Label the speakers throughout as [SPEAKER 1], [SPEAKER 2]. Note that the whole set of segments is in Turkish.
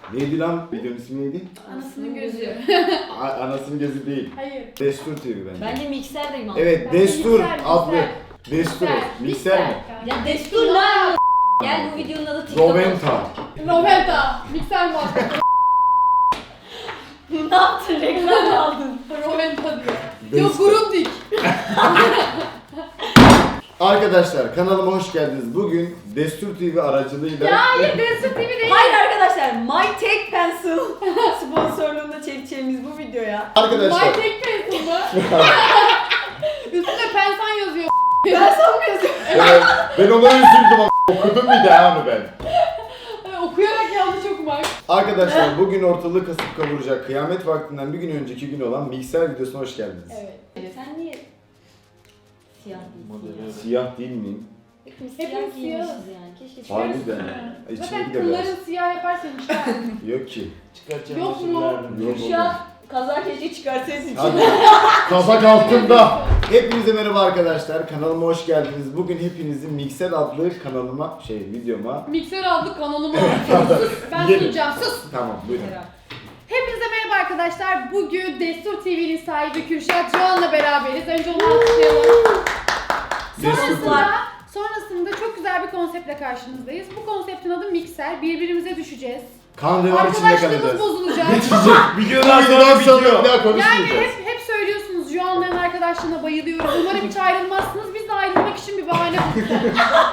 [SPEAKER 1] Neydi lan? Videonun ismi neydi?
[SPEAKER 2] Anasının gözü.
[SPEAKER 1] Anasının gözü değil.
[SPEAKER 2] Hayır.
[SPEAKER 1] Destur TV bence.
[SPEAKER 3] Bence mikserdeyim abi.
[SPEAKER 1] Evet,
[SPEAKER 2] Bence
[SPEAKER 1] Destur
[SPEAKER 2] mikser,
[SPEAKER 1] adlı.
[SPEAKER 2] mikser.
[SPEAKER 1] Destur. Mikser mi?
[SPEAKER 3] Ya destur lan. Gel bu videonun adı TikTok.
[SPEAKER 1] Roventa.
[SPEAKER 2] Roventa. Mikser muhabbeti.
[SPEAKER 3] Ne yaptın? Reklam aldın.
[SPEAKER 2] Roventa diyor.
[SPEAKER 1] Destur.
[SPEAKER 2] Yok Grundig.
[SPEAKER 1] Arkadaşlar kanalıma hoş geldiniz. Bugün Destur TV aracılığıyla...
[SPEAKER 2] Ya hayır Destur TV değil.
[SPEAKER 3] Hayır arkadaşlar, My Take Pencil sponsorluğunda çekeceğimiz bu videoya.
[SPEAKER 1] Arkadaşlar...
[SPEAKER 2] My Tek Pencil mı? Üstünde pensan yazıyor.
[SPEAKER 3] Ben sanmıyorsun.
[SPEAKER 1] ben ona üzüldüm ama okudum bir daha onu ben.
[SPEAKER 2] Okuyarak yanlış okumak.
[SPEAKER 1] Arkadaşlar bugün ortalığı kasıp kavuracak kıyamet vaktinden bir gün önceki gün olan mikser videosuna hoş geldiniz.
[SPEAKER 2] Evet.
[SPEAKER 3] Sen niye siyah değilsin?
[SPEAKER 1] Siyah değil miyim?
[SPEAKER 3] Hepimiz
[SPEAKER 2] Hepimiz
[SPEAKER 3] siyah giymişiz
[SPEAKER 2] siyahız.
[SPEAKER 3] yani. Keşke siyah.
[SPEAKER 1] Harbiden. İçine
[SPEAKER 2] Zaten
[SPEAKER 1] de beyaz.
[SPEAKER 2] kılların siyah yaparsan işte.
[SPEAKER 1] Yok ki.
[SPEAKER 4] Çıkartacağım
[SPEAKER 2] Yok mu?
[SPEAKER 1] Yok
[SPEAKER 3] Şu an kazak keşke çıkarsaydın.
[SPEAKER 1] Hadi. Kazak altında. Hepinize merhaba arkadaşlar. Kanalıma hoş geldiniz. Bugün hepinizin Mikser adlı kanalıma, videoma.
[SPEAKER 2] Mikser adlı kanalıma. Ben
[SPEAKER 1] Yerim.
[SPEAKER 2] sunacağım. Sus.
[SPEAKER 1] Tamam buyurun.
[SPEAKER 2] Hepinize merhaba arkadaşlar. Bugün Destur TV'nin sahibi Kürşat Doğan'la beraberiz. Önce onu alkışlayalım.
[SPEAKER 1] Destur TV.
[SPEAKER 2] Sonrasında çok güzel bir konseptle karşınızdayız. Bu konseptin adı Mikser. Birbirimize düşeceğiz.
[SPEAKER 1] Kan revan içinde
[SPEAKER 2] Arkadaşlığımız
[SPEAKER 1] kalacağız.
[SPEAKER 2] bozulacak.
[SPEAKER 4] Videodan
[SPEAKER 1] Videodan
[SPEAKER 4] sonra
[SPEAKER 1] sonra
[SPEAKER 4] bitiyor.
[SPEAKER 1] bir daha
[SPEAKER 2] Yani
[SPEAKER 1] konuşmayacağız.
[SPEAKER 2] hep söylüyorsunuz Joan'ların arkadaşlığına bayılıyorum. Umarım hiç ayrılmazsınız. Biz de ayrılmak için bir bahane bulacağız.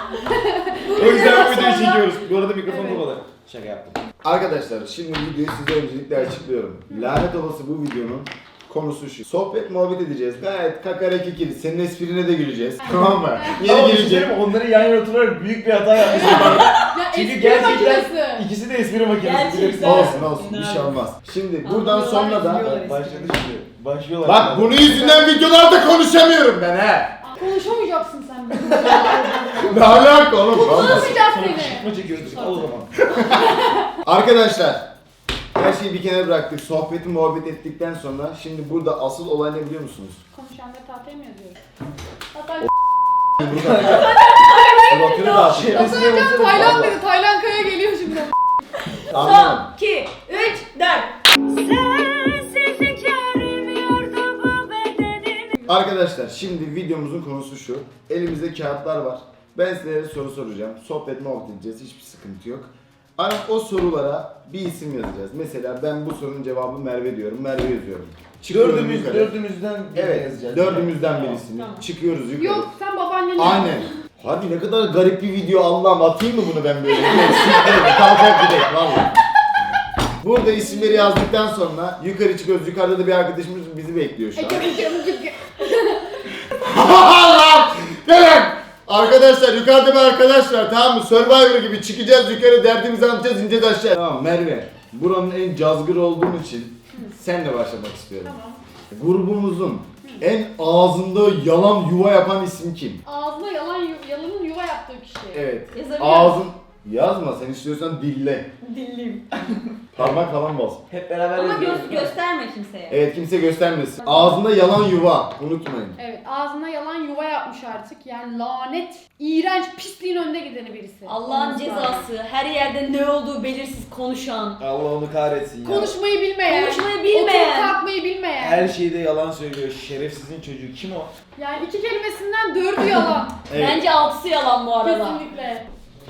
[SPEAKER 4] O yüzden bu videoyu
[SPEAKER 2] Sonra-
[SPEAKER 4] çekiyoruz. Bu arada mikrofon
[SPEAKER 2] Evet.
[SPEAKER 4] kapalı. Şaka yaptım.
[SPEAKER 1] Arkadaşlar şimdi videoyu size öncelikle açıklıyorum. Lanet olası bu videonun konusu şu. Sohbet muhabbet edeceğiz. Gayet kakara kikiri. Senin esprine de güleceğiz. Tamam mı?
[SPEAKER 4] Ama
[SPEAKER 1] Yeni
[SPEAKER 4] bir şey
[SPEAKER 1] gelecek.
[SPEAKER 4] söyleyeyim mi? Onları yan yana oturarak büyük bir hata yapmışım.
[SPEAKER 2] Ya
[SPEAKER 4] Çünkü
[SPEAKER 2] espri
[SPEAKER 4] gerçekten
[SPEAKER 2] makinesi.
[SPEAKER 4] ikisi de espri makinesi.
[SPEAKER 3] Gerçekten.
[SPEAKER 4] bilirsin.
[SPEAKER 1] Olsun bir şey olmaz. Şimdi buradan sonra da
[SPEAKER 3] Anlıyorlar.
[SPEAKER 4] Başladı şimdi. Başlıyorlar.
[SPEAKER 1] bak bunun yüzünden videolarda konuşamıyorum ben he.
[SPEAKER 2] Konuşamayacaksın sen.
[SPEAKER 1] Ne alaka oğlum? Vallahi.
[SPEAKER 2] Konuşamayacağız
[SPEAKER 4] Sonra
[SPEAKER 2] seni.
[SPEAKER 4] kışkırtma çekiyoruz. Al o zaman.
[SPEAKER 1] Arkadaşlar her şeyi bir kenara bıraktık. Sohbeti muhabbet ettikten sonra şimdi burada asıl olay ne biliyor musunuz?
[SPEAKER 2] Konuşanları tahtaya mı yazıyoruz? Hatta
[SPEAKER 1] Suratını dağıtıyor.
[SPEAKER 4] Şerefsizliğe
[SPEAKER 2] hocam
[SPEAKER 4] baksana.
[SPEAKER 2] Tayland
[SPEAKER 4] Vallahi.
[SPEAKER 2] dedi. Tayland Kaya geliyor şimdi.
[SPEAKER 1] Anladım.
[SPEAKER 3] 2, 3, 4.
[SPEAKER 1] Arkadaşlar şimdi videomuzun konusu şu. Elimizde kağıtlar var. Ben size soru soracağım. Sohbet muhabbet edeceğiz. Hiçbir sıkıntı yok. Ama o sorulara bir isim yazacağız. Mesela ben bu sorunun cevabı Merve diyorum. Merve yazıyorum. Çıkıyorum yukarı.
[SPEAKER 4] Dördümüzden birini
[SPEAKER 1] Evet.
[SPEAKER 4] yazacağız.
[SPEAKER 1] Dördümüzden
[SPEAKER 3] Tamam,
[SPEAKER 1] birisini.
[SPEAKER 3] tamam.
[SPEAKER 1] Çıkıyoruz yukarı.
[SPEAKER 2] Yok sen babaanneni.
[SPEAKER 1] Aynen. Hadi ne kadar garip bir video Allah'ım, atayım mı bunu ben böyle? Kalkar gidelim valla. Burada isimleri yazdıktan sonra yukarı çıkıyoruz. Yukarıda da bir arkadaşımız bizi bekliyor şu an. Allah'ım! Gelin! Arkadaşlar yukarıda bir arkadaş var, tamam mı? Survivor gibi çıkacağız yukarı, derdimizi anlatacağız, ineceğiz aşağı. Tamam Merve, buranın en cazgır olduğun için senle başlamak istiyorum.
[SPEAKER 2] Tamam.
[SPEAKER 1] Grubumuzun en ağzında yalan yuva yapan isim kim?
[SPEAKER 2] Ağzına yalanın yuva yaptığı kişi.
[SPEAKER 1] Evet.
[SPEAKER 3] Yazabiliyor
[SPEAKER 1] Ağzın yazma, sen istiyorsan dille.
[SPEAKER 3] Dilliyim.
[SPEAKER 1] Parmak falan bas.
[SPEAKER 4] Hep beraber
[SPEAKER 3] Ama
[SPEAKER 4] yazıyoruz.
[SPEAKER 3] gösterme kimseye.
[SPEAKER 1] Evet, kimse göstermesin. Ağzında yalan yuva, unutmayın.
[SPEAKER 2] Evet, ağzına yalan yuva yapmış artık. Yani lanet, iğrenç, pisliğin önde gideni birisi.
[SPEAKER 3] Allah'ın
[SPEAKER 2] Olması lazım.
[SPEAKER 3] cezası, her yerde ne olduğu belirsiz konuşan.
[SPEAKER 4] Allah onu kahretsin ya.
[SPEAKER 2] Konuşmayı bilmeyen.
[SPEAKER 3] Konuşmayı bilmeyen.
[SPEAKER 2] Oturup kalkmayı bilmeyen.
[SPEAKER 4] Her şeyde yalan söylüyor. Şerefsizin çocuğu. Kim o?
[SPEAKER 2] Yani iki kelimesinden 4'ü yalan.
[SPEAKER 1] Evet.
[SPEAKER 3] Bence 6'sı yalan bu arada.
[SPEAKER 2] Kesinlikle.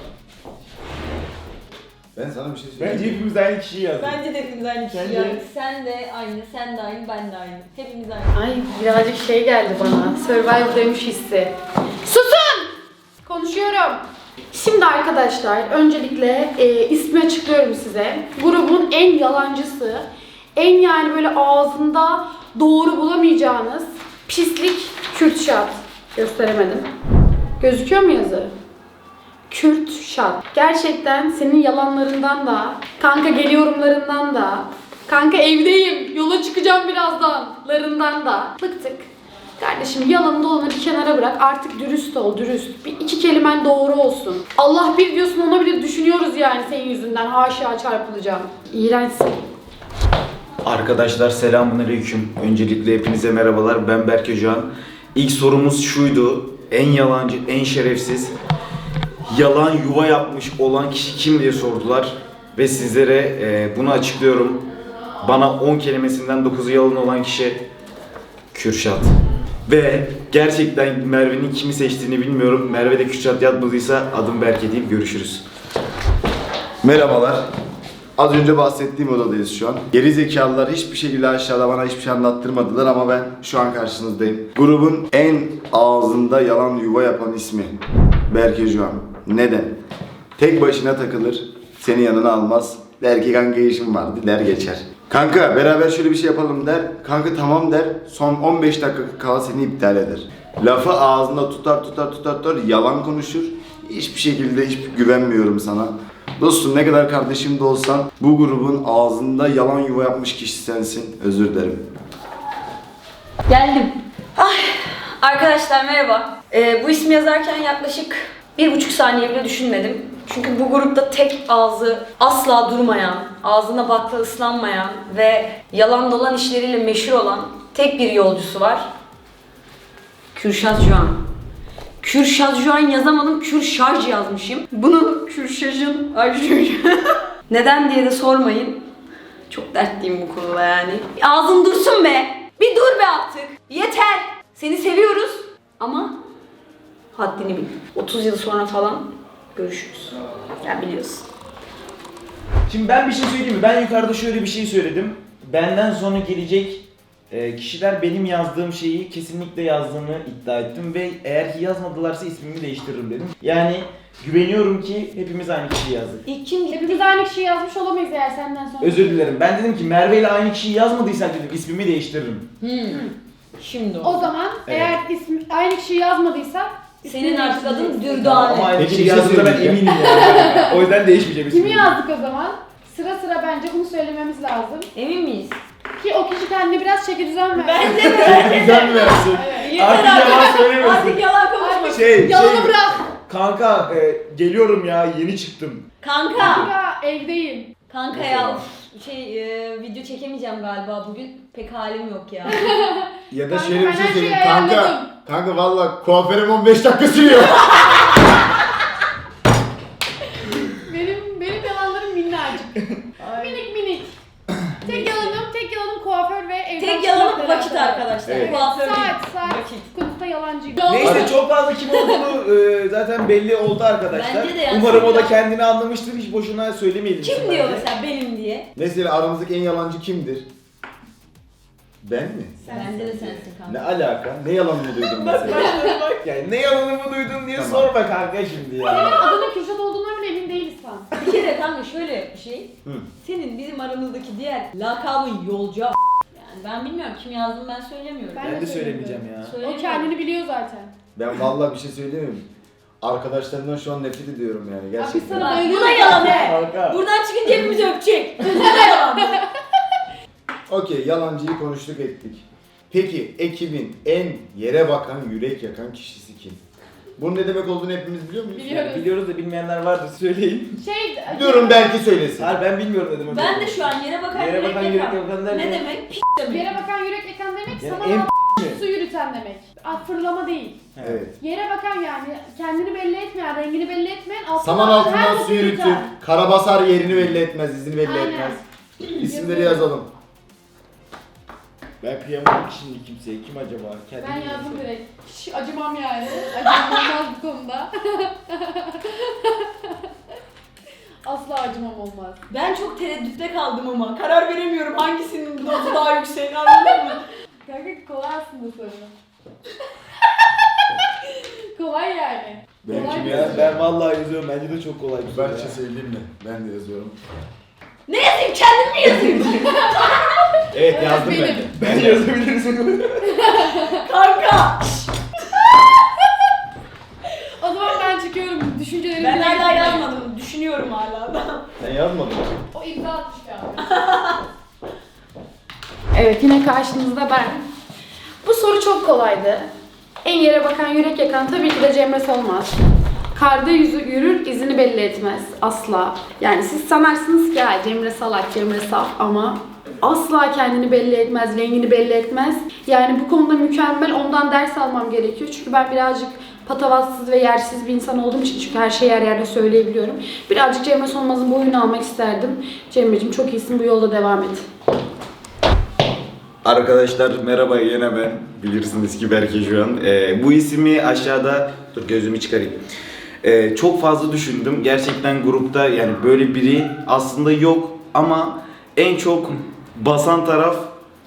[SPEAKER 1] Ben sana bir şey söyleyeyim.
[SPEAKER 4] Bence hepimiz aynı kişiyi yazdık.
[SPEAKER 3] Bence de hepimiz aynı kişi
[SPEAKER 4] Sence?
[SPEAKER 3] yani. Sen de aynı, sen de aynı, ben de aynı. Hepimiz aynı.
[SPEAKER 2] Ay birazcık şey geldi bana. Survivor'daymış hissi. Susun! Konuşuyorum. Şimdi arkadaşlar öncelikle ismi açıklıyorum size. Grubun en yalancısı, en yani böyle ağzında doğru bulamayacağınız pislik Kürşat. Gösteremedim. Gözüküyor mu yazı? Kürşat. Gerçekten senin yalanlarından da, kanka geliyorumlarından da, kanka evdeyim, yola çıkacağım birazdanlarından da bıktık. Kardeşim yalanı dolanı bir kenara bırak, artık dürüst ol, dürüst. Bir iki kelimen doğru olsun. Allah bir diyorsun, ona bile düşünüyoruz yani senin yüzünden, haşa çarpılacağım. İğrençsin.
[SPEAKER 5] Arkadaşlar selamünaleyküm. Öncelikle hepinize merhabalar. Ben Berke Can. İlk sorumuz şuydu. En yalancı, en şerefsiz, yalan yuva yapmış olan kişi kim diye sordular. Ve sizlere bunu açıklıyorum. Bana 10 kelimesinden 9'u yalan olan kişi Kürşat. Ve gerçekten Merve'nin kimi seçtiğini bilmiyorum. Merve de Kürşat yazmadıysa adım Berke deyip görüşürüz.
[SPEAKER 1] Merhabalar. Az önce bahsettiğim odadayız şu an. Geri zekalılar hiçbir şekilde aşağıda bana hiçbir şey anlattırmadılar ama ben şu an karşınızdayım. Grubun en ağzında yalan yuva yapan ismi Berke Juan. Neden? Tek başına takılır, seni yanına almaz. Der ki kanka işim var der geçer. Kanka beraber şöyle bir şey yapalım der. Kanka tamam der. Son 15 dakika kala seni iptal eder. Lafı ağzında tutar yalan konuşur. Hiçbir şekilde hiç güvenmiyorum sana. Dostum ne kadar kardeşim de olsan bu grubun ağzında yalan yuva yapmış kişi sensin. Özür dilerim.
[SPEAKER 3] Geldim. Arkadaşlar merhaba. Bu ismi yazarken yaklaşık 1,5 saniye bile düşünmedim. Çünkü bu grupta tek ağzı asla durmayan, ağzına bakla ıslanmayan ve yalan dolan işleriyle meşhur olan tek bir yolcusu var. Kürşat Juan. Kürşat Juan yazamadım, Kürşaj yazmışım. Bunu Kürşaj'ın neden diye de sormayın. Çok dertliyim bu konuda yani. Ağzın dursun be! Bir dur be artık! Yeter! Seni seviyoruz ama haddini bil. 30 yıl sonra falan görüşürüz. Ya biliyorsun.
[SPEAKER 4] Şimdi ben bir şey söyleyeyim mi? Ben yukarıda şöyle bir şey söyledim. Benden sonra gelecek kişiler benim yazdığım şeyi kesinlikle yazdığını iddia ettim ve eğer ki yazmadılarsa ismimi değiştiririm dedim. Yani güveniyorum ki hepimiz aynı kişiyi yazdık.
[SPEAKER 3] İlk kim gitti?
[SPEAKER 2] Hepimiz aynı kişiyi yazmış olamayız eğer senden sonra.
[SPEAKER 4] Özür dilerim. Ben dedim ki Merve ile aynı kişiyi yazmadıysan dedim ismimi değiştiririm.
[SPEAKER 3] Şimdi
[SPEAKER 2] O zaman eğer aynı kişiyi yazmadıysa
[SPEAKER 3] senin artık adın
[SPEAKER 4] Ama
[SPEAKER 3] Dürdane.
[SPEAKER 4] aynı
[SPEAKER 1] Peki,
[SPEAKER 4] kişiyi
[SPEAKER 1] bir şey
[SPEAKER 4] yazdığında ben
[SPEAKER 1] söyleyeceğim.
[SPEAKER 4] eminim yani. O yüzden değişmeyeceğim ismimi.
[SPEAKER 2] kimi yazdık o zaman? Sıra sıra bence bunu söylememiz lazım.
[SPEAKER 3] Emin miyiz?
[SPEAKER 2] Ki o kişi kendine biraz çeki düzen ver.
[SPEAKER 3] Bence de.
[SPEAKER 4] Güzel mi versin?
[SPEAKER 3] Yeter
[SPEAKER 4] Artık yalan söylemesin.
[SPEAKER 3] Artık yalan konuşma.
[SPEAKER 2] Yalanı bırak.
[SPEAKER 4] Kanka geliyorum ya yeni çıktım.
[SPEAKER 3] Kanka.
[SPEAKER 2] Kanka evdeyim.
[SPEAKER 3] Kanka ya video çekemeyeceğim galiba bugün. Pek halim yok ya.
[SPEAKER 1] Ya da
[SPEAKER 2] Kanka,
[SPEAKER 1] şöyle bir
[SPEAKER 2] ben
[SPEAKER 1] şey
[SPEAKER 2] her şeyi
[SPEAKER 1] söyleyeyim. Kanka,
[SPEAKER 2] ayarladım.
[SPEAKER 1] kanka valla kuaförüm 15 dakika sürüyor.
[SPEAKER 2] Benim yalanlarım minnacık. minik. Tek yalanım kuaför ve evden
[SPEAKER 3] Tek yalanım
[SPEAKER 2] çıkmakla
[SPEAKER 3] vakit
[SPEAKER 2] alakalı.
[SPEAKER 3] arkadaşlar.
[SPEAKER 1] Evet.
[SPEAKER 3] Kuaför değil.
[SPEAKER 2] Saat
[SPEAKER 3] Vakit.
[SPEAKER 2] konusunda yalancıyım.
[SPEAKER 4] Neyse çok fazla kim olduğunu zaten belli oldu arkadaşlar.
[SPEAKER 3] Bence de yani.
[SPEAKER 4] Umarım o da kendini anlamıştır. Hiç boşuna söylemeyelim.
[SPEAKER 3] Kim
[SPEAKER 4] şimdi
[SPEAKER 3] diyor
[SPEAKER 4] bence.
[SPEAKER 3] mesela benim diye?
[SPEAKER 1] Mesela aramızdaki en yalancı kimdir? Ben mi?
[SPEAKER 3] Bence de sensin
[SPEAKER 1] Ne
[SPEAKER 3] kanka.
[SPEAKER 1] alaka? Ne yalanını duydun mesela?
[SPEAKER 4] Bak yani ne yalanımı duydun diye
[SPEAKER 1] Tamam.
[SPEAKER 4] sorma kanka şimdi ya.
[SPEAKER 2] Adının Kürşat olduğundan bile emin değiliz sen.
[SPEAKER 3] Bir kere kanka şöyle bir şey.
[SPEAKER 1] Hı.
[SPEAKER 3] Senin bizim aramızdaki diğer lakabın yolcu Yani ben bilmiyorum kim yazdığını ben söylemiyorum.
[SPEAKER 4] Ben de söylemeyeceğim ya.
[SPEAKER 2] O
[SPEAKER 3] Söylemiyorum.
[SPEAKER 2] kendini biliyor zaten.
[SPEAKER 1] Ben vallahi bir şey söylemiyorum. Arkadaşlarımdan şu an nefret ediyorum yani
[SPEAKER 2] Abi
[SPEAKER 1] gerçekten.
[SPEAKER 2] sana
[SPEAKER 3] Bak,
[SPEAKER 2] bayılıyorum.
[SPEAKER 3] bu da yalan
[SPEAKER 2] zaten.
[SPEAKER 3] be.
[SPEAKER 4] Kanka.
[SPEAKER 3] Buradan çıkınca hepimizi öpecek. Bu da yalan be.
[SPEAKER 1] Okey, yalancıyı konuştuk ettik. Peki ekibin en yere bakan, yürek yakan kişisi kim? Bunun ne demek olduğunu hepimiz biliyor muyuz?
[SPEAKER 2] Biliyoruz.
[SPEAKER 4] Biliyoruz da bilmeyenler vardır söyleyin.
[SPEAKER 1] Biliyorum, belki söylesin.
[SPEAKER 4] Hayır ben bilmiyorum ne demek.
[SPEAKER 3] Ben de şu an yere bakan
[SPEAKER 4] Yere bakan yürek
[SPEAKER 3] yakan.
[SPEAKER 4] yakan derken.
[SPEAKER 3] Ne demek? P demek.
[SPEAKER 2] Yere bakan yürek yakan demek
[SPEAKER 4] Yani
[SPEAKER 2] sana
[SPEAKER 4] en
[SPEAKER 2] a- su yürüten demek. Fırlama değil.
[SPEAKER 1] Evet.
[SPEAKER 2] Yere bakan yani kendini belli etmeyen, rengini belli etmeyen altından
[SPEAKER 1] Saman
[SPEAKER 2] her
[SPEAKER 1] altından
[SPEAKER 2] boku
[SPEAKER 1] su yürütür.
[SPEAKER 2] yürüten.
[SPEAKER 1] Karabasar yerini belli etmez, izini belli
[SPEAKER 2] Aynen.
[SPEAKER 1] etmez. İsimleri yazalım.
[SPEAKER 4] Ben kıyamadım ki şimdi kimseye. Kim acaba? Kendini
[SPEAKER 2] Ben
[SPEAKER 4] bilmiyorum.
[SPEAKER 2] yazdım direkt. Hiç acımam yani. Acımam olmaz bu konuda. Asla acımam olmaz.
[SPEAKER 3] Ben çok tereddütte kaldım ama karar veremiyorum hangisinin dozu daha yüksek anladın mı?
[SPEAKER 2] Kanka kolay aslında soru. kolay yani.
[SPEAKER 1] Benimki
[SPEAKER 2] Kolay
[SPEAKER 1] mi
[SPEAKER 2] bir
[SPEAKER 1] ya?
[SPEAKER 2] soru.
[SPEAKER 4] Ben vallahi yazıyorum. Bence de çok kolay bir soru
[SPEAKER 1] Ben bir
[SPEAKER 4] ya.
[SPEAKER 1] şey söyleyeyim mi? Ben de yazıyorum.
[SPEAKER 3] Ne yazayım kendim mi yazayım?
[SPEAKER 1] Evet yazdım ben.
[SPEAKER 2] Benim.
[SPEAKER 4] Ben yazabilirsin.
[SPEAKER 3] Kanka!
[SPEAKER 2] O zaman ben çıkıyorum. Düşüncelerimi
[SPEAKER 3] Ben
[SPEAKER 2] dile
[SPEAKER 3] hala
[SPEAKER 2] getirmeye.
[SPEAKER 3] yazmadım. Düşünüyorum hala da.
[SPEAKER 1] Sen yazmadın mı?
[SPEAKER 2] O imza atmış abi. Evet, yine karşınızda ben. Bu soru çok kolaydı. En yere bakan, yürek yakan tabii ki de Cemre Solmaz. Karda yüzü yürür, izini belli etmez. Asla. Yani siz sanarsınız ki ya Cemre salak, Cemre saf ama asla kendini belli etmez, rengini belli etmez. Yani bu konuda mükemmel, ondan ders almam gerekiyor. Çünkü ben birazcık patavatsız ve yersiz bir insan olduğum için, çünkü her şeyi her yerde söyleyebiliyorum. Birazcık Cemre Solmaz'ın boyunu almak isterdim. Cemre'cim çok iyisin, bu yolda devam et.
[SPEAKER 5] Arkadaşlar merhaba, yine ben. Bilirsiniz ki Berke şu an. Bu ismi aşağıda... Dur gözümü çıkarayım. Çok fazla düşündüm. Gerçekten grupta yani böyle biri aslında yok ama en çok basan taraf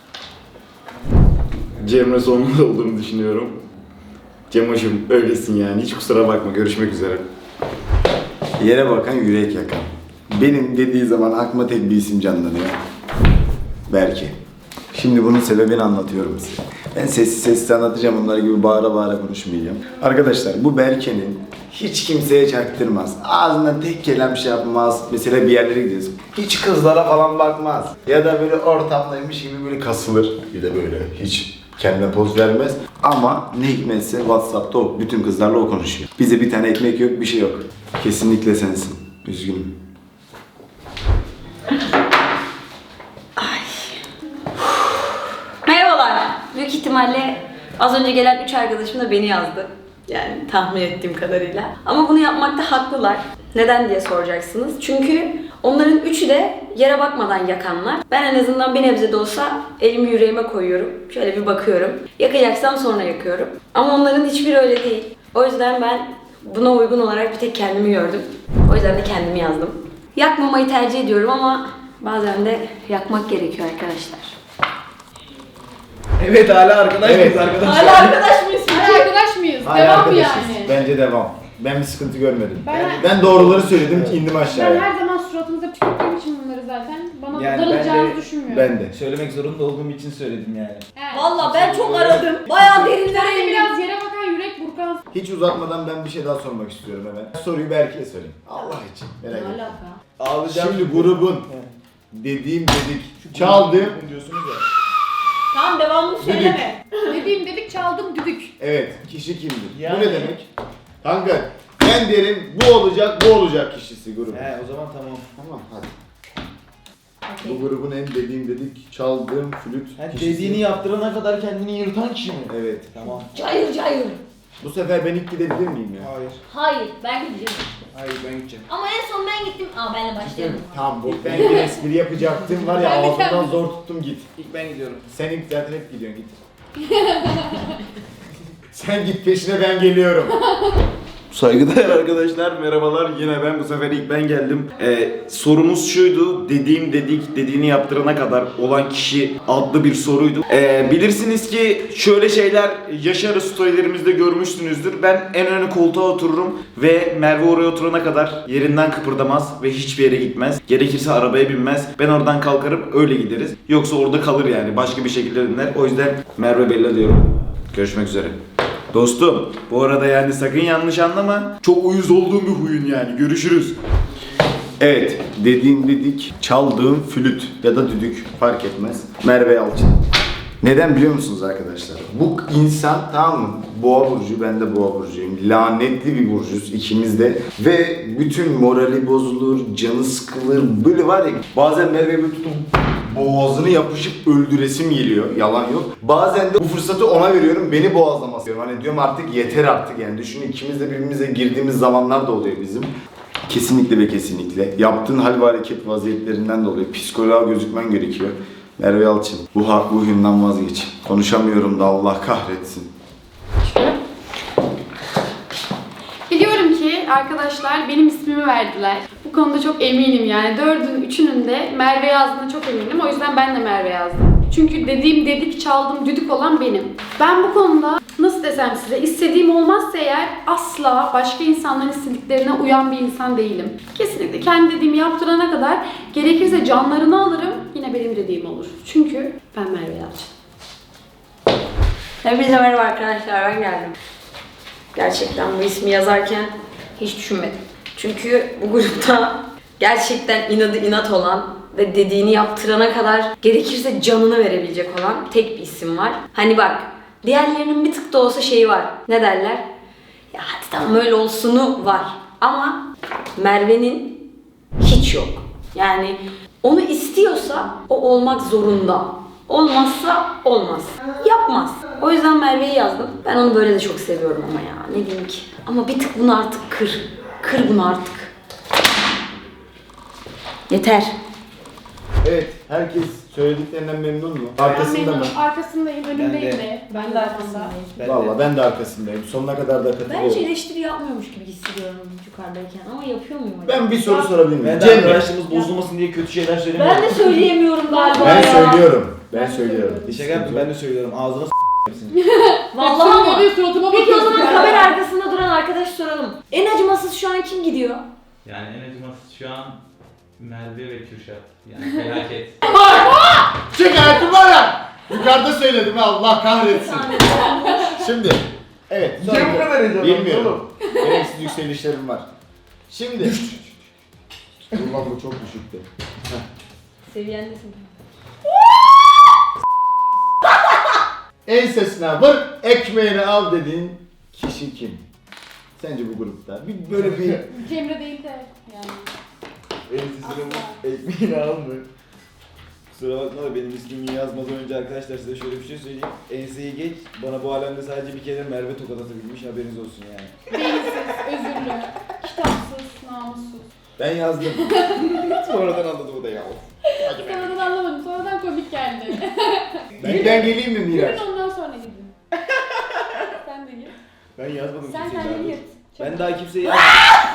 [SPEAKER 5] Cemre Solmaz olduğunu düşünüyorum. Cemoş'um öylesin yani, hiç kusura bakma, görüşmek üzere.
[SPEAKER 1] Yere bakan yürek yakan. Benim dediği zaman aklıma tek bir isim canlanıyor. Berke. Şimdi bunun sebebini anlatıyorum size. Ben sessiz sessiz anlatacağım, onlar gibi bağıra bağıra konuşmayacağım. Arkadaşlar bu Berke'nin hiç kimseye çaktırmaz. Ağzından tek kelam şey yapmaz. Mesela bir yerlere gidiyoruz. Hiç kızlara falan bakmaz. Ya da böyle ortamdaymış gibi böyle kasılır. Bir de böyle hiç kendine poz vermez. Ama ne hikmetse WhatsApp'ta o bütün kızlarla o konuşuyor. Bize bir tane ekmek yok, bir şey yok. Kesinlikle sensin. Üzgünüm.
[SPEAKER 3] Merhabalar. Büyük ihtimalle az önce gelen 3 arkadaşım da beni yazdı. Yani tahmin ettiğim kadarıyla. Ama bunu yapmakta haklılar. Neden diye soracaksınız. Çünkü onların üçü de yere bakmadan yakanlar. Ben en azından bir nebze de olsa elimi yüreğime koyuyorum. Şöyle bir bakıyorum. Yakacaksam sonra yakıyorum. Ama onların hiçbiri öyle değil. O yüzden ben buna uygun olarak bir tek kendimi gördüm. O yüzden de kendimi yazdım. Yakmamayı tercih ediyorum ama bazen de yakmak gerekiyor arkadaşlar.
[SPEAKER 4] Evet, hala arkadaş mıyız arkadaşlar?
[SPEAKER 3] Hala arkadaş mıyız?
[SPEAKER 2] Hala arkadaş mıyız?
[SPEAKER 1] Hala
[SPEAKER 2] Devam mı
[SPEAKER 1] arkadaşız.
[SPEAKER 2] yani?
[SPEAKER 1] Bence devam. Ben bir sıkıntı görmedim.
[SPEAKER 2] Ben-
[SPEAKER 1] Ben doğruları söyledim ki indim
[SPEAKER 2] Ben
[SPEAKER 1] aşağıya.
[SPEAKER 2] her zaman suratınıza tükürdüğüm için bunları zaten bana
[SPEAKER 4] Yani
[SPEAKER 2] darılacağınızı
[SPEAKER 4] ben de-
[SPEAKER 2] düşünmüyorum.
[SPEAKER 1] Ben de.
[SPEAKER 4] Söylemek zorunda olduğum için söyledim yani.
[SPEAKER 2] Evet.
[SPEAKER 3] Valla ben çok aradım. Bayağı derinlere
[SPEAKER 2] Sen de
[SPEAKER 3] indim.
[SPEAKER 2] biraz yere bakan yürek burkan.
[SPEAKER 1] Hiç uzatmadan ben bir şey daha sormak istiyorum hemen. Soruyu Berke'ye sorayım. Allah için. Merak etme.
[SPEAKER 4] Ağlayacağım.
[SPEAKER 1] Şimdi grubun dediğim dedik, çaldığım.
[SPEAKER 4] diyorsunuz ya.
[SPEAKER 3] Tamam, devamını söyleme.
[SPEAKER 2] Dediğim dedik, çaldım düdük.
[SPEAKER 1] Evet, kişi kimdir?
[SPEAKER 4] Yani.
[SPEAKER 1] Bu ne demek? Kanka, ben derim bu olacak, bu olacak kişisi grubun.
[SPEAKER 4] He, o zaman tamam.
[SPEAKER 1] Tamam, hadi. Bu grubun en dediğim dedik, çaldığım flüt
[SPEAKER 4] Ha,
[SPEAKER 1] kişisi.
[SPEAKER 4] dediğini yaptırana kadar kendini yırtan kişi mi?
[SPEAKER 1] Evet.
[SPEAKER 4] Tamam.
[SPEAKER 3] Cayır cayır.
[SPEAKER 1] Bu sefer ben ilk gidebilir miyim ya?
[SPEAKER 4] Hayır.
[SPEAKER 6] Hayır, ben gideceğim.
[SPEAKER 4] Hayır, ben gideceğim.
[SPEAKER 6] Ama en son ben gittim. Benle başlayalım.
[SPEAKER 1] Tamam, bu ben bir espri yapacaktım var ya,
[SPEAKER 2] Ben de
[SPEAKER 1] ağzımdan
[SPEAKER 2] kendim-
[SPEAKER 1] zor tuttum, git.
[SPEAKER 4] İlk ben gidiyorum.
[SPEAKER 1] Sen ilk zaten hep gidiyorsun, git. Sen git peşine, ben geliyorum.
[SPEAKER 5] Saygıdeğer arkadaşlar, merhabalar. Yine ben, bu sefer ilk ben geldim. Sorumuz şuydu, dediğim dedik, dediğini yaptırana kadar olan kişi adlı bir soruydu. Bilirsiniz ki şöyle şeyler yaşarız, storylerimizde görmüşsünüzdür. Ben en ön koltuğa otururum ve Merve oraya oturana kadar yerinden kıpırdamaz ve hiçbir yere gitmez. Gerekirse arabaya binmez. Ben oradan kalkarım, öyle gideriz. Yoksa orada kalır yani, başka bir şekilde döner. O yüzden Merve Bella diyorum. Görüşmek üzere. Dostum, bu arada yani sakın yanlış anlama. Çok uyuz olduğum bir huyun yani. Görüşürüz.
[SPEAKER 1] Evet, dediğim dedik, çaldığım flüt ya da düdük fark etmez. Merve Yalçın. Neden biliyor musunuz arkadaşlar? Bu insan, tamam mı? Boğa burcu, ben de boğa burcuyum. Lanetli bir burcuyuz ikimiz de. Ve bütün morali bozulur, canı sıkılır. Böyle var ya, bazen Merve'yi böyle tutup boğazını yapışıp öldüresim geliyor. Yalan yok. Bazen de bu fırsatı ona veriyorum, beni boğazlaması diyorum. Hani diyorum artık yeter artık yani. Düşünün, ikimiz de birbirimize girdiğimiz zamanlar da oluyor bizim. Kesinlikle ve kesinlikle. Yaptığın hal ve hareket vaziyetlerinden dolayı psikoloğa gözükmen gerekiyor. Merve Yalçın, bu huyundan vazgeç. Konuşamıyorum da Allah kahretsin.
[SPEAKER 2] Biliyorum ki arkadaşlar benim ismimi verdiler. Bu konuda çok eminim yani. 4'ün 3'ünün de Merve yazdığına çok eminim. O yüzden ben de Merve yazdım. Çünkü dediğim dedik, çaldım düdük olan benim. Ben bu konuda nasıl desem size, istediğim olmazsa eğer asla başka insanların istediklerine uyan bir insan değilim. Kesinlikle kendi dediğimi yaptırana kadar gerekirse canlarını alırım, yine benim dediğim olur. Çünkü ben Merve Yalçın.
[SPEAKER 3] Hepinize merhaba arkadaşlar, ben geldim. Gerçekten bu ismi yazarken hiç düşünmedim. Çünkü bu grupta gerçekten inadı inat olan ve dediğini yaptırana kadar gerekirse canını verebilecek olan tek bir isim var. Hani bak, diğerlerinin bir tık da olsa şeyi var. Ne derler? Ya hadi tamam öyle olsunu var. Ama Merve'nin hiç yok. Yani onu istiyorsa o olmak zorunda. Olmazsa olmaz. Yapmaz. O yüzden Merve'yi yazdım. Ben onu böyle de çok seviyorum ama ya. Ne diyeyim ki. Ama bir tık bunu artık kır. Kır bunu artık. Yeter.
[SPEAKER 1] Evet, herkes söylediklerinden memnun mu? Arkasında mı?
[SPEAKER 2] Arkasındayım, önündeyim
[SPEAKER 4] Ben
[SPEAKER 2] de.
[SPEAKER 3] Ben de arkasındayım.
[SPEAKER 1] Valla ben de arkasındayım. Sonuna kadar da
[SPEAKER 3] Ben hiç
[SPEAKER 1] katılıyorum.
[SPEAKER 3] eleştiri yapmıyormuş gibi hissediyorum yukarıdayken ama yapıyor muyum acaba?
[SPEAKER 1] Ben bir soru sorabilir miyim?
[SPEAKER 4] Ben de
[SPEAKER 1] Cemre.
[SPEAKER 4] arkadaşlığımız bozulmasın diye kötü şeyler söylemiyorum.
[SPEAKER 3] Ben de söyleyemiyorum galiba
[SPEAKER 1] Ben
[SPEAKER 3] ya.
[SPEAKER 1] söylüyorum. Ben söylüyorum.
[SPEAKER 4] Şaka yaptım, ben de söylüyorum. Ağzına s*****sini.
[SPEAKER 3] Vallahi ama.
[SPEAKER 2] Suratıma
[SPEAKER 3] Peki o zaman
[SPEAKER 2] bakıyorsun.
[SPEAKER 3] kamera arkasında duran arkadaş soralım. En acımasız şu an kim gidiyor?
[SPEAKER 7] Yani en acımasız şu an Merve ve Kürşat. Yani felaket.
[SPEAKER 1] Şikayetim var ya! Yukarıda söyledim ha, Allah kahretsin. Şimdi, evet.
[SPEAKER 4] Niye bu kadar heyecanlandın
[SPEAKER 1] Bilmiyorum.
[SPEAKER 4] oğlum?
[SPEAKER 1] Gereksiz yükselişlerim var. Şimdi. Dur lan bu çok düşüktü.
[SPEAKER 3] Seviyendesin.
[SPEAKER 1] Ensesine vur, ekmeğini al dediğin kişi kim? Sence bu grupta? Bir böyle bir...
[SPEAKER 2] Cemre değil de yani.
[SPEAKER 4] Ensesine vur, ekmeğini alma. Kusura bakma da benim ismimi yazmadan önce arkadaşlar size şöyle bir şey söyleyeyim. Enseyi geç, bana bu alemde sadece bir kere Merve tokat atabilmiş, haberiniz olsun yani.
[SPEAKER 2] Beyinsiz, özürlü, kitapsız, namussuz.
[SPEAKER 1] Ben yazdım. Sonradan anladım o da ya.
[SPEAKER 2] Sonradan anlamadım, sonradan komik geldi.
[SPEAKER 1] Benden geleyim mi Miraç?
[SPEAKER 2] Gülün ondan sonra gidin. Sen de git.
[SPEAKER 4] Ben yazmadım
[SPEAKER 2] Sen
[SPEAKER 4] kimseyi
[SPEAKER 2] kendin
[SPEAKER 4] daha.
[SPEAKER 2] git.
[SPEAKER 4] Ben daha kimseyi yazmadım.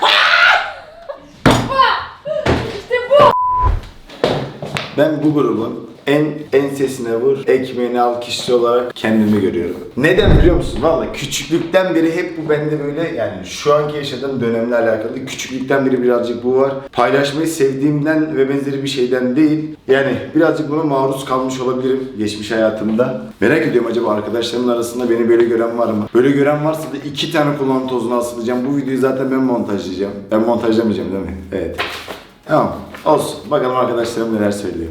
[SPEAKER 1] Ben bu grubun en ensesine vur, ekmeğini al kişisi olarak kendimi görüyorum. Neden biliyor musun? Valla küçüklükten beri hep bu bende böyle, yani şu anki yaşadığım dönemle alakalı küçüklükten beri birazcık bu var. Paylaşmayı sevdiğimden ve benzeri bir şeyden değil. Yani birazcık buna maruz kalmış olabilirim geçmiş hayatımda. Merak ediyorum, acaba arkadaşlarımın arasında beni böyle gören var mı? Böyle gören varsa da 2 tane kulağın tozuna asılacağım. Bu videoyu zaten ben montajlayacağım. Ben montajlamayacağım değil mi? Evet. Tamam. Olsun. Bakalım arkadaşlarım neler söylüyor.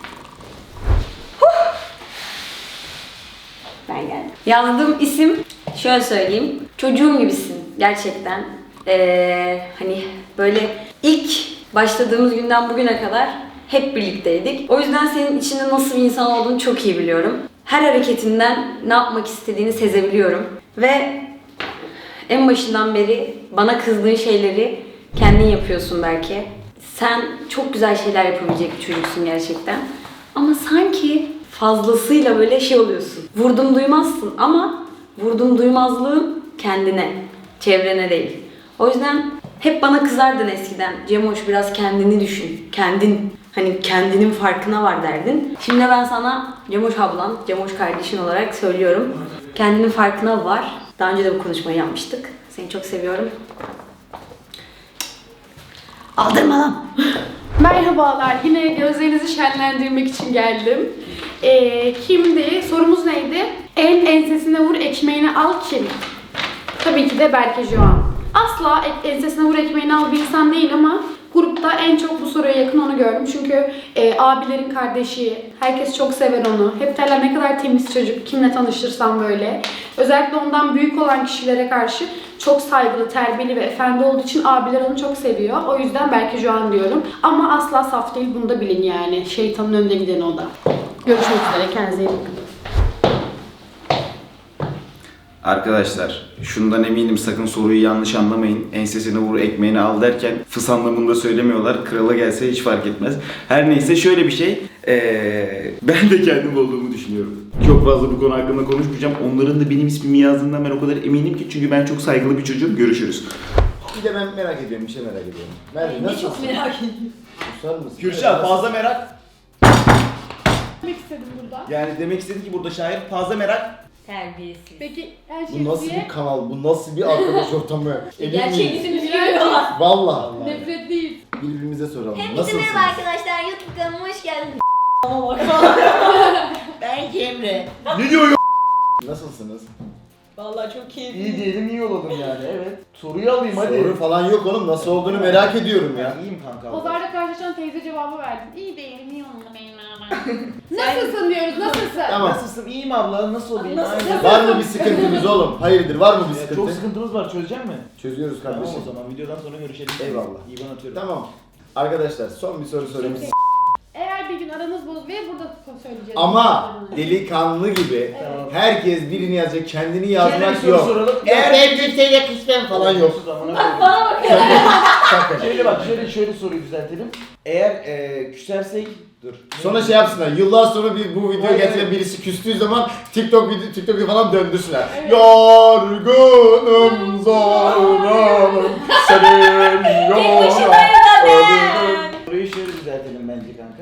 [SPEAKER 3] Ben geldim. Yazdığım isim şöyle söyleyeyim. Çocuğum gibisin gerçekten. Hani böyle ilk başladığımız günden bugüne kadar hep birlikteydik. O yüzden senin içinde nasıl bir insan olduğunu çok iyi biliyorum. Her hareketinden ne yapmak istediğini sezebiliyorum. Ve en başından beri bana kızdığın şeyleri kendin yapıyorsun belki. Sen çok güzel şeyler yapabilecek bir çocuksun gerçekten. Ama sanki fazlasıyla böyle şey oluyorsun. Vurdum duymazsın ama vurdum duymazlığın kendine, çevrene değil. O yüzden hep bana kızardın eskiden. Cemoş biraz kendini düşün. Hani kendinin farkına var derdin. Şimdi ben sana Cemoş ablan, Cemoş kardeşin olarak söylüyorum. Kendinin farkına var. Daha önce de bu konuşmayı yapmıştık. Seni çok seviyorum. Aldırma lan.
[SPEAKER 2] Merhabalar, yine gözlerinizi şenlendirmek için geldim. Kimdi? Sorumuz neydi? En ensesine vur, ekmeğini al kim? Tabii ki de Berke Joan. Asla ensesine vur, ekmeğini al bir insan değil ama grupta en çok bu soruya yakın onu gördüm. Çünkü abilerin kardeşi, herkes çok sever onu. Hep derler ne kadar temiz çocuk, kimle tanıştırsam böyle. Özellikle ondan büyük olan kişilere karşı çok saygılı, terbiyeli ve efendi olduğu için abiler onu çok seviyor. O yüzden Berke Joan diyorum. Ama asla saf değil, bunu da bilin yani. Şeytanın önüne giden o da. Görüşmek üzere, kendinize iyi bakın.
[SPEAKER 5] Arkadaşlar şundan eminim, sakın soruyu yanlış anlamayın. Ensesine vur ekmeğini al derken fıs anlamında söylemiyorlar. Krala gelse hiç fark etmez. Her neyse, şöyle bir şey. Ben de kendim olduğumu düşünüyorum. Çok fazla bu konu hakkında konuşmayacağım. Onların da benim ismimi yazdığından ben o kadar eminim ki. Çünkü ben çok saygılı bir çocuğum. Görüşürüz.
[SPEAKER 1] Bir de ben merak ediyorum, bir şey merak ediyorum. Merve
[SPEAKER 3] Ne
[SPEAKER 1] nasılsın?
[SPEAKER 3] çok merak ediyorum.
[SPEAKER 1] Susar mısın?
[SPEAKER 4] Kürşat fazla merak.
[SPEAKER 2] Demek istedim burada.
[SPEAKER 4] Yani demek istedi ki burada şair fazla merak.
[SPEAKER 3] Terbiyesiz.
[SPEAKER 2] Peki her
[SPEAKER 1] Bu nasıl bir kanal, bu nasıl bir arkadaş ortamı? Emin
[SPEAKER 3] Gerçek
[SPEAKER 1] miyiz?
[SPEAKER 3] ismini görüyorlar.
[SPEAKER 1] Vallahi.
[SPEAKER 2] nefret değil.
[SPEAKER 1] Birbirimize soralım.
[SPEAKER 6] Hepinize
[SPEAKER 1] Nasılsınız?
[SPEAKER 6] merhaba arkadaşlar, YouTube kanalıma hoş geldiniz. Ben Cemre.
[SPEAKER 4] Ne diyor ya?
[SPEAKER 1] Nasılsınız?
[SPEAKER 3] Vallahi çok keyifli.
[SPEAKER 4] İyi diyelim, iyi olalım yani, evet. Soruyu alayım hadi.
[SPEAKER 1] Soru falan yok oğlum, nasıl olduğunu merak ediyorum ya.
[SPEAKER 4] Ben iyiyim kanka.
[SPEAKER 2] Pazarda karşılaşan teyze cevabı verdin. İyi değilim, iyi olmalı benim Nasılsın diyoruz, nasılsın?
[SPEAKER 1] Tamam.
[SPEAKER 4] Nasılsın? İyiyim abla. Nasıl olayım?
[SPEAKER 3] Nasıl?
[SPEAKER 4] Aynen.
[SPEAKER 1] Var mı bir sıkıntınız oğlum? Hayırdır, var mı bir
[SPEAKER 4] Çok
[SPEAKER 1] sıkıntı?
[SPEAKER 4] sıkıntımız var. Çözecek mi?
[SPEAKER 1] Çözüyoruz
[SPEAKER 4] Tamam
[SPEAKER 1] kardeşim.
[SPEAKER 4] o zaman videodan sonra görüşelim.
[SPEAKER 1] Eyvallah.
[SPEAKER 4] İyi, ben atıyorum.
[SPEAKER 1] Tamam. Arkadaşlar son bir soru sorayım.
[SPEAKER 2] Eğer bir gün aranız bozulur ve burada söyleyeceğiz.
[SPEAKER 1] Ama delikanlı gibi
[SPEAKER 2] Evet.
[SPEAKER 1] herkes birini yazacak, kendini
[SPEAKER 4] Şöyle bir
[SPEAKER 1] yazmak
[SPEAKER 4] soru
[SPEAKER 1] yok.
[SPEAKER 4] soralım.
[SPEAKER 1] Eğer ben kimseyle kısmem falan yok.
[SPEAKER 3] Bana bakın.
[SPEAKER 4] Şöyle bak, şöyle soruyu düzeltelim. Eğer küsersek, dur.
[SPEAKER 1] Sonra şey yapsınlar, yıllar sonra bu videoyu
[SPEAKER 4] Hayır,
[SPEAKER 1] getiren
[SPEAKER 4] evet.
[SPEAKER 1] birisi küstüğü zaman TikTok'u falan döndürsünler.
[SPEAKER 2] Evet.
[SPEAKER 1] Yorgunum zorlanım senin yoluna.
[SPEAKER 4] Soruyu şöyle düzeltelim bence kanka.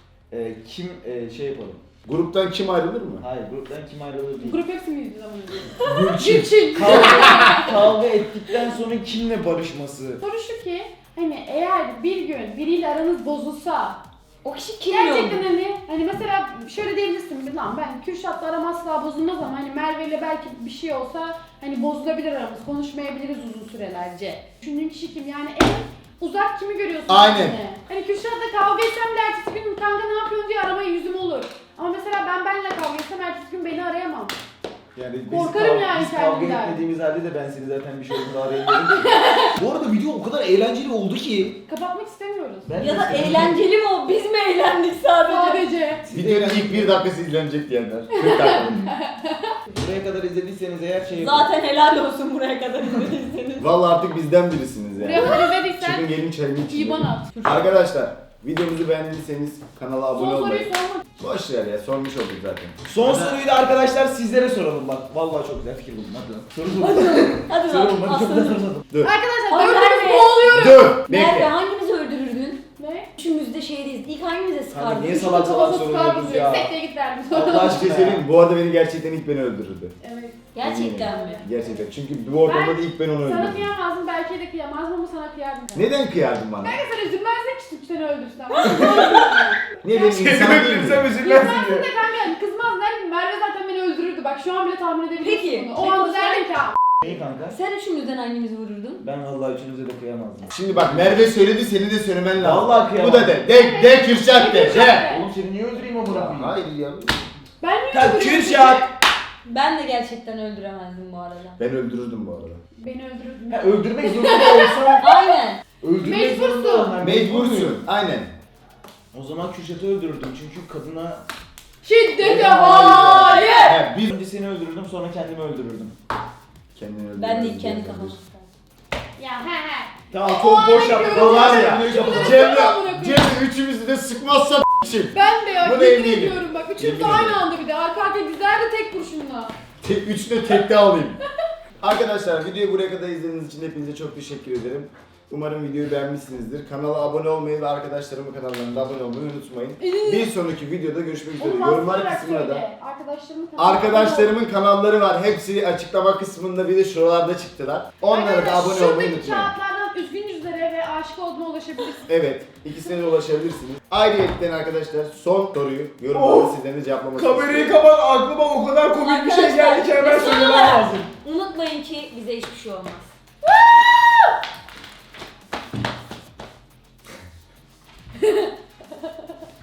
[SPEAKER 4] Kim şey yapalım?
[SPEAKER 1] Gruptan kim ayrılır mı?
[SPEAKER 4] Hayır, gruptan kim ayrılır değil.
[SPEAKER 2] Grup hepsi miydi zaman önce?
[SPEAKER 1] Gülçin.
[SPEAKER 2] Gülçin.
[SPEAKER 4] Kavga ettikten sonra kimle barışması?
[SPEAKER 2] Soru şu ki hani eğer bir gün biriyle aranız bozulsa
[SPEAKER 3] O kişi kim
[SPEAKER 2] gerçekten hani mesela şöyle diyebilirsin lan ben Kürşat'la aram asla bozulmaz ama hani Merve ile belki bir şey olsa hani bozulabilir aramız, konuşmayabiliriz uzun sürelerce. Düşündüğün kişi kim yani en uzak kimi görüyorsun?
[SPEAKER 1] Aynen.
[SPEAKER 2] Yani? Hani Kürşat'la kavga etsem de ertesi gün kanka ne yapıyorsun diye aramaya yüzüm olur. Ama mesela ben benle kavga etsem ertesi gün beni arayamam.
[SPEAKER 1] Yani
[SPEAKER 2] Korkarım yani
[SPEAKER 4] Biz kavga
[SPEAKER 2] kendimden.
[SPEAKER 4] etmediğimiz halde de ben seni zaten bir şey olduğunda arayamıyorum ki. Bu arada video o kadar eğlenceli oldu ki.
[SPEAKER 2] Kapatmak istemiyoruz.
[SPEAKER 4] Ben
[SPEAKER 3] Ya
[SPEAKER 4] de
[SPEAKER 3] da
[SPEAKER 4] senin-
[SPEAKER 3] eğlenceli mi o? Biz mi eğlendik sadece?
[SPEAKER 2] Sadece.
[SPEAKER 1] Videonun ilk 1 dakikası izlenecek diyenler. 40 dakika.
[SPEAKER 4] Buraya kadar izlediyseniz eğer şey yapın.
[SPEAKER 3] Zaten helal olsun buraya kadar izlediyseniz.
[SPEAKER 1] Vallahi artık bizden birisiniz
[SPEAKER 2] Buraya
[SPEAKER 1] yani.
[SPEAKER 2] kadar izlediysen
[SPEAKER 1] Çıkın gelin çayını için.
[SPEAKER 2] İban at.
[SPEAKER 1] Arkadaşlar videomuzu beğendiyseniz kanala abone
[SPEAKER 2] Son soruyu
[SPEAKER 1] olmayı.
[SPEAKER 2] sorma.
[SPEAKER 1] Boş ver ya, sormuş olduk zaten.
[SPEAKER 4] Son soruyu da arkadaşlar sizlere soralım bak. Vallahi çok güzel fikir buldum. Hadi lan. Soru buldum.
[SPEAKER 3] Hadi
[SPEAKER 4] Soru
[SPEAKER 3] lan
[SPEAKER 4] buldum. Hadi çok güzel soru
[SPEAKER 3] aslanım.
[SPEAKER 4] buldum.
[SPEAKER 1] Dur.
[SPEAKER 2] Arkadaşlar
[SPEAKER 3] Ay,
[SPEAKER 2] dördümüz
[SPEAKER 3] Merve.
[SPEAKER 2] boğuluyoruz.
[SPEAKER 1] Dur.
[SPEAKER 3] Merve
[SPEAKER 1] Bekle.
[SPEAKER 3] hangimizi öldürürdün?
[SPEAKER 2] Ne?
[SPEAKER 3] Üçümüz de şeydeyiz. İlk hangimize sıkardın?
[SPEAKER 4] niye salak salak soruyoruz ya?
[SPEAKER 2] Sekteye git verdim.
[SPEAKER 4] Allah
[SPEAKER 1] Bir şey
[SPEAKER 4] aşkına
[SPEAKER 1] söyleyeyim mi? Bu arada beni gerçekten ilk beni öldürürdü.
[SPEAKER 2] Evet.
[SPEAKER 3] Gerçekten mi?
[SPEAKER 1] Gerçekten. Çünkü bu ortamda da ilk ben onu
[SPEAKER 2] Sana
[SPEAKER 1] öldürdüm.
[SPEAKER 2] kıyamazdım, belki de kıyamazdım ama sana kıyardım.
[SPEAKER 1] Neden kıyardın bana?
[SPEAKER 2] Kanka sen üzülmezdin ki seni öldürsem.
[SPEAKER 1] Niye benim insan değil mi?
[SPEAKER 4] üzülmezsin
[SPEAKER 2] Kızmazsın da kanka yani kızmaz derdim. Merve zaten beni öldürürdü. Bak şu an bile tahmin edebiliyorsun
[SPEAKER 3] Peki.
[SPEAKER 2] bunu. O anda derdim ki
[SPEAKER 4] Neyi kanka?
[SPEAKER 3] Sen üçümüzden hangimizi vururdun?
[SPEAKER 4] Ben vallahi üçünüze de kıyamazdım.
[SPEAKER 1] Şimdi bak Merve söyledi, seni de söylemen lazım.
[SPEAKER 4] Vallahi kıyamam.
[SPEAKER 1] Bu da de. De Kürşat de. De.
[SPEAKER 4] Oğlum seni niye öldüreyim amına koyayım?
[SPEAKER 1] Hayır ya.
[SPEAKER 2] ben niye
[SPEAKER 4] Tak
[SPEAKER 2] öldürüyorum
[SPEAKER 4] Kürşat!
[SPEAKER 3] Ben de gerçekten öldüremezdim bu arada.
[SPEAKER 1] Ben öldürürdüm bu arada.
[SPEAKER 2] seni? Beni öldürürdün.
[SPEAKER 4] Ha, öldürmek zorunda olsam
[SPEAKER 3] Aynen.
[SPEAKER 4] öldürmek
[SPEAKER 2] Mecbursun.
[SPEAKER 4] zorunda olmam.
[SPEAKER 1] Mecbursun. Aynen.
[SPEAKER 4] O zaman Kürşat'ı öldürürdüm çünkü kadına...
[SPEAKER 2] Şiddete hayır.
[SPEAKER 1] He, biz
[SPEAKER 4] Önce seni öldürürdüm sonra kendimi öldürürdüm.
[SPEAKER 1] kendini öldürürdün.
[SPEAKER 3] Ben de ilk kendi kafamı.
[SPEAKER 2] Ya he.
[SPEAKER 4] Tamam
[SPEAKER 2] O
[SPEAKER 4] çok
[SPEAKER 2] an
[SPEAKER 4] boş
[SPEAKER 2] bekliyorum.
[SPEAKER 4] yaptın. O var ya.
[SPEAKER 1] Cemre üçümüzü de sıkmazsa için.
[SPEAKER 2] Ben de ya
[SPEAKER 1] Buna
[SPEAKER 2] yemin
[SPEAKER 1] eminim.
[SPEAKER 2] ediyorum bak. Üçümüz de
[SPEAKER 1] Yemin
[SPEAKER 2] aynı
[SPEAKER 1] ederim.
[SPEAKER 2] anda bir de. Arka arkaya dizlerdi tek kurşunla.
[SPEAKER 1] Üçünü tekte alayım. Arkadaşlar videoyu buraya kadar izlediğiniz için hepinize çok teşekkür ederim. Umarım videoyu beğenmişsinizdir. Kanala abone olmayı ve arkadaşlarımın kanallarına abone olmayı unutmayın. Bir sonraki videoda görüşmek üzere.
[SPEAKER 2] Onu
[SPEAKER 1] Yorumlar
[SPEAKER 2] bastırarak
[SPEAKER 1] kısmına da
[SPEAKER 2] söyle. Arkadaşlarımın
[SPEAKER 1] arkadaşlarımın kanalları var. Hepsi açıklama kısmında, bir de şuralarda çıktılar. Onlara da abone olmayı
[SPEAKER 2] Şuradaki
[SPEAKER 1] unutmayın.
[SPEAKER 2] kağıtlardan üzgün yüzlere ve aşık olduğuna ulaşabilirsiniz.
[SPEAKER 1] Evet, ikisine de ulaşabilirsiniz. Ayrıca arkadaşlar son soruyu yorumlarda sizden de cevaplamak
[SPEAKER 4] Kamerayı kapat, aklıma o kadar komik bir şey geldi ki hemen
[SPEAKER 3] Arkadaşlar,
[SPEAKER 4] söylemem
[SPEAKER 3] son olarak
[SPEAKER 4] lazım.
[SPEAKER 3] Unutmayın ki bize hiçbir şey olmaz.